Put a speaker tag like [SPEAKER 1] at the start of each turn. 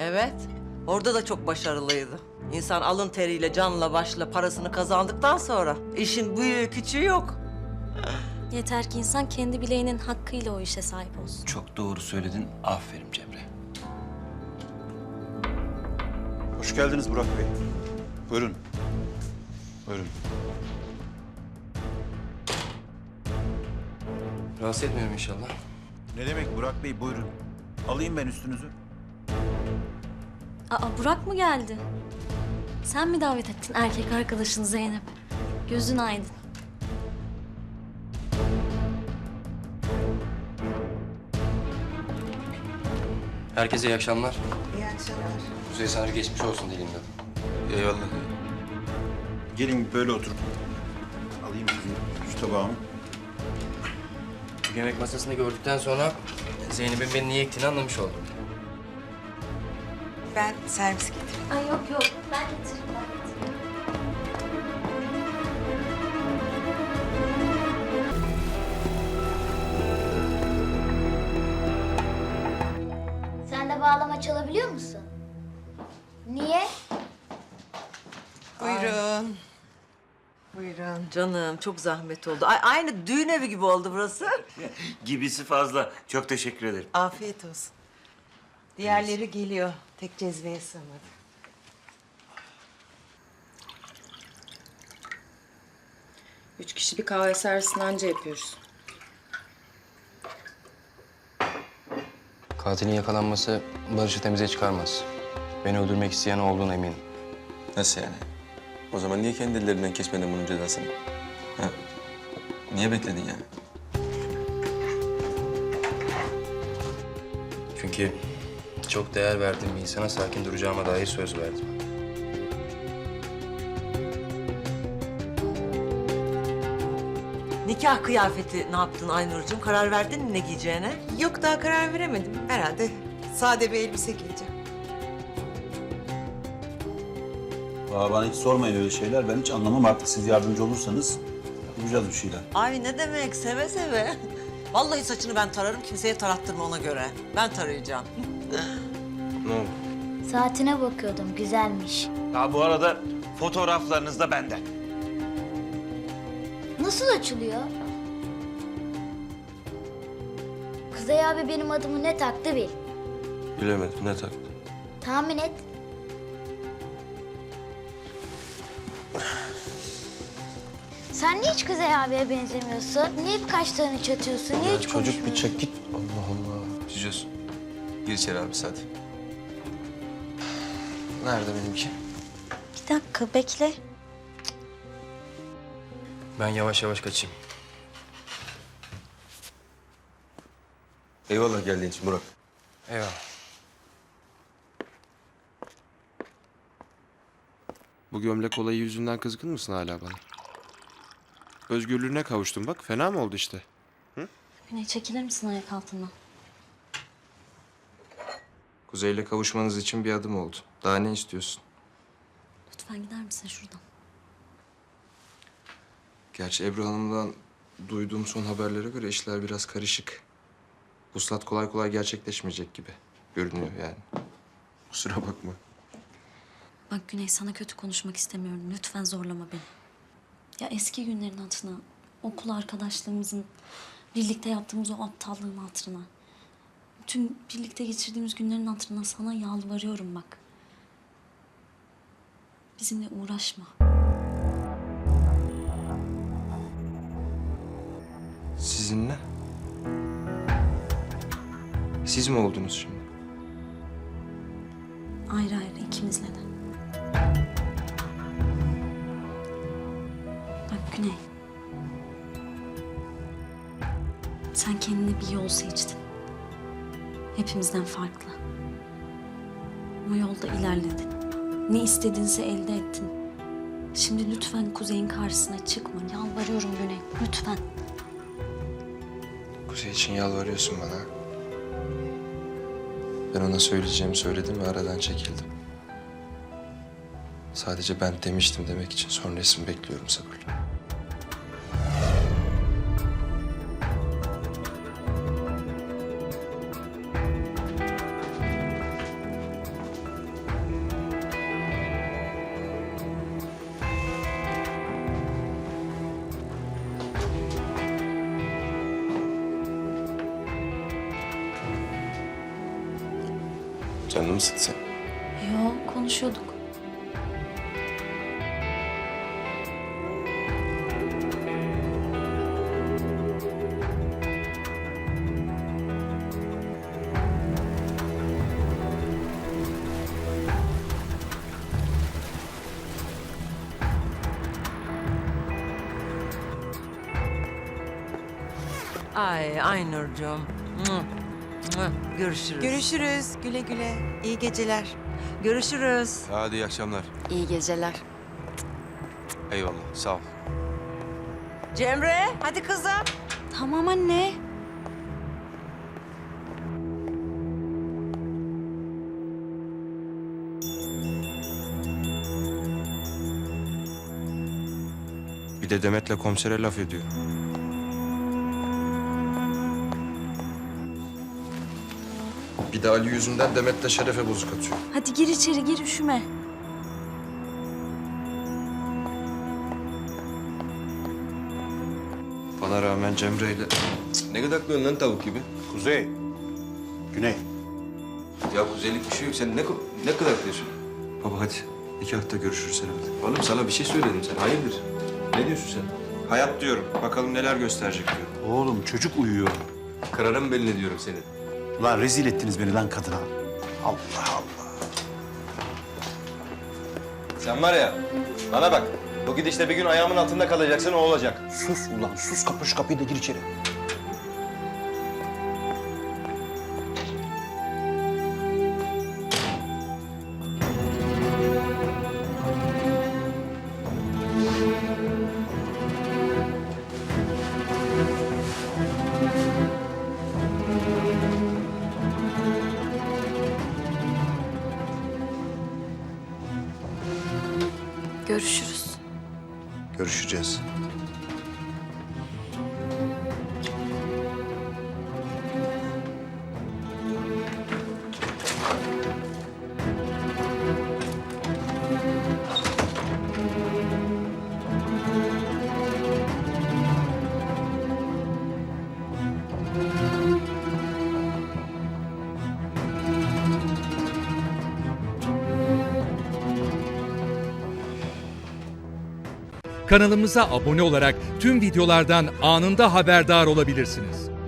[SPEAKER 1] Evet. Orada da çok başarılıydı. İnsan alın teriyle, canla başla parasını kazandıktan sonra işin büyüğü küçüğü yok.
[SPEAKER 2] Yeter ki insan kendi bileğinin hakkıyla o işe sahip olsun.
[SPEAKER 3] Çok doğru söyledin. Aferin Cemre.
[SPEAKER 4] Hoş geldiniz Burak Bey. Buyurun. Buyurun.
[SPEAKER 3] Rahatsız etmiyorum inşallah.
[SPEAKER 4] Ne demek Burak Bey, buyurun. Alayım ben üstünüzü.
[SPEAKER 2] Aa, Burak mı geldi? Sen mi davet ettin erkek arkadaşını Zeynep? Gözün aydın.
[SPEAKER 3] Herkese iyi akşamlar.
[SPEAKER 1] İyi akşamlar.
[SPEAKER 3] Kuzey sana geçmiş olsun diyelim dedim.
[SPEAKER 4] Eyvallah. Gelin böyle oturun. Alayım sizin şu tabağımı.
[SPEAKER 3] Bu yemek masasını gördükten sonra Zeynep'in beni niye ektiğini anlamış oldum.
[SPEAKER 5] Ben servis getireyim.
[SPEAKER 2] Ay yok. Ben getiririm.
[SPEAKER 6] Sen de bağlama çalabiliyor musun? Niye?
[SPEAKER 5] Buyurun. Buyurun.
[SPEAKER 1] Canım çok zahmet oldu. Aynı düğün evi gibi oldu burası.
[SPEAKER 7] Gibisi fazla. Çok teşekkür ederim.
[SPEAKER 5] Afiyet olsun. Diğerleri geliyor. Tek cezveye sığmadı.
[SPEAKER 8] Üç kişi bir kahve servisini anca yapıyoruz.
[SPEAKER 3] Katilin yakalanması Barış'ı temize çıkarmaz. Beni öldürmek isteyen o olduğuna eminim.
[SPEAKER 9] Nasıl yani? O zaman niye kendi ellerinden kesmedin bunun cezasını? Ha? Niye bekledin yani?
[SPEAKER 3] Çünkü çok değer verdiğim bir insana sakin duracağıma dair söz verdim.
[SPEAKER 1] Nikah kıyafeti ne yaptın Aynur'cum? Karar verdin mi ne giyeceğine?
[SPEAKER 5] Yok daha karar veremedim. Herhalde sade bir elbise giyeceğim.
[SPEAKER 4] Valla bana hiç sormayın öyle şeyler. Ben hiç anlamam, artık siz yardımcı olursanız yapacağız bir şeyler.
[SPEAKER 1] Ay ne demek, seve seve. Vallahi saçını ben tararım, kimseye tarattırma ona göre. Ben tarayacağım.
[SPEAKER 3] Ne oldu?
[SPEAKER 6] Saatine bakıyordum, güzelmiş.
[SPEAKER 7] Ha bu arada fotoğraflarınız da benden.
[SPEAKER 6] Nasıl açılıyor? Kuzey abi benim adımı ne taktı bil.
[SPEAKER 9] Bilemedim, ne taktı?
[SPEAKER 6] Tahmin et. Sen niye hiç Kuzey abiye benzemiyorsun? Niye hep kaşlarını çatıyorsun? Niye hiç
[SPEAKER 9] Çocuk
[SPEAKER 6] konuşmuyorsun?
[SPEAKER 9] bir çek git. Allah Allah. Cücüz. Gir içeri abi hadi. Nerede benimki?
[SPEAKER 2] Bir dakika bekle.
[SPEAKER 3] Ben yavaş yavaş kaçayım.
[SPEAKER 9] Eyvallah geldiğin için Burak.
[SPEAKER 3] Eyvallah.
[SPEAKER 10] Bu gömlek olayı yüzünden kızgın mısın hala bana? Özgürlüğüne kavuştun bak. Fena mı oldu işte?
[SPEAKER 2] Güney çekilir misin ayak altından?
[SPEAKER 9] Kuzey'le kavuşmanız için bir adım oldu. Daha ne istiyorsun?
[SPEAKER 2] Lütfen gider misin şuradan?
[SPEAKER 9] Gerçi Ebru Hanım'dan duyduğum son haberlere göre işler biraz karışık. Vuslat kolay kolay gerçekleşmeyecek gibi görünüyor yani. Kusura bakma.
[SPEAKER 2] Bak Güney sana kötü konuşmak istemiyorum. Lütfen zorlama beni. Ya eski günlerin hatırına, okul arkadaşlığımızın, birlikte yaptığımız o aptallığın hatırına. Tüm birlikte geçirdiğimiz günlerin hatırına sana yalvarıyorum bak. Bizimle uğraşma.
[SPEAKER 9] Sizinle? Siz mi oldunuz şimdi?
[SPEAKER 2] Ayrı ayrı ikimizle de. Bak Güney. Sen kendine bir yol seçtin. Hepimizden farklı. O yolda ilerledin. Ne istediğinse elde ettin. Şimdi lütfen Kuzey'in karşısına çıkma. Yalvarıyorum Güney. Lütfen.
[SPEAKER 9] Kuzey için yalvarıyorsun bana. Ben ona söyleyeceğimi söyledim ve aradan çekildim. Sadece ben demiştim demek için sonrasını bekliyorum sabırla.
[SPEAKER 10] Canını mı sıktı sen?
[SPEAKER 2] Yo, konuşuyorduk.
[SPEAKER 1] Ay Aynur'cum. Görüşürüz.
[SPEAKER 5] Görüşürüz. Güle güle. İyi geceler.
[SPEAKER 1] Görüşürüz.
[SPEAKER 10] Hadi iyi akşamlar.
[SPEAKER 2] İyi geceler.
[SPEAKER 10] Eyvallah sağ ol.
[SPEAKER 1] Cemre hadi kızım.
[SPEAKER 2] Tamam anne.
[SPEAKER 10] Bir de Demet'le komisere laf ediyor.
[SPEAKER 9] Bir de Ali yüzünden Demet'le Şeref'e bozuk atıyor.
[SPEAKER 2] Hadi gir içeri, gir, üşüme.
[SPEAKER 9] Bana rağmen Cemre'yle... Ne gıdaklıyorsun lan tavuk gibi?
[SPEAKER 4] Kuzey. Güney.
[SPEAKER 9] Ya kuzeylik bir şey yok. Sen ne gıdaklıyorsun? Baba hadi. Nikahta görüşürüz herhalde. Oğlum sana bir şey söyledim sen. Hayırdır? Ne diyorsun sen?
[SPEAKER 10] Hayat diyorum. Bakalım neler gösterecek diyor.
[SPEAKER 4] Oğlum çocuk uyuyor.
[SPEAKER 9] Kırarım belini diyorum senin.
[SPEAKER 4] Lan rezil ettiniz beni lan kadına. Allah Allah.
[SPEAKER 9] Sen var ya, bana bak. Bu gidişle bir gün ayağımın altında kalacaksın, o olacak.
[SPEAKER 4] Sus ulan sus, kapı şu kapıyı da gir içeri.
[SPEAKER 2] Görüşürüz.
[SPEAKER 4] Görüşeceğiz.
[SPEAKER 11] Kanalımıza abone olarak tüm videolardan anında haberdar olabilirsiniz.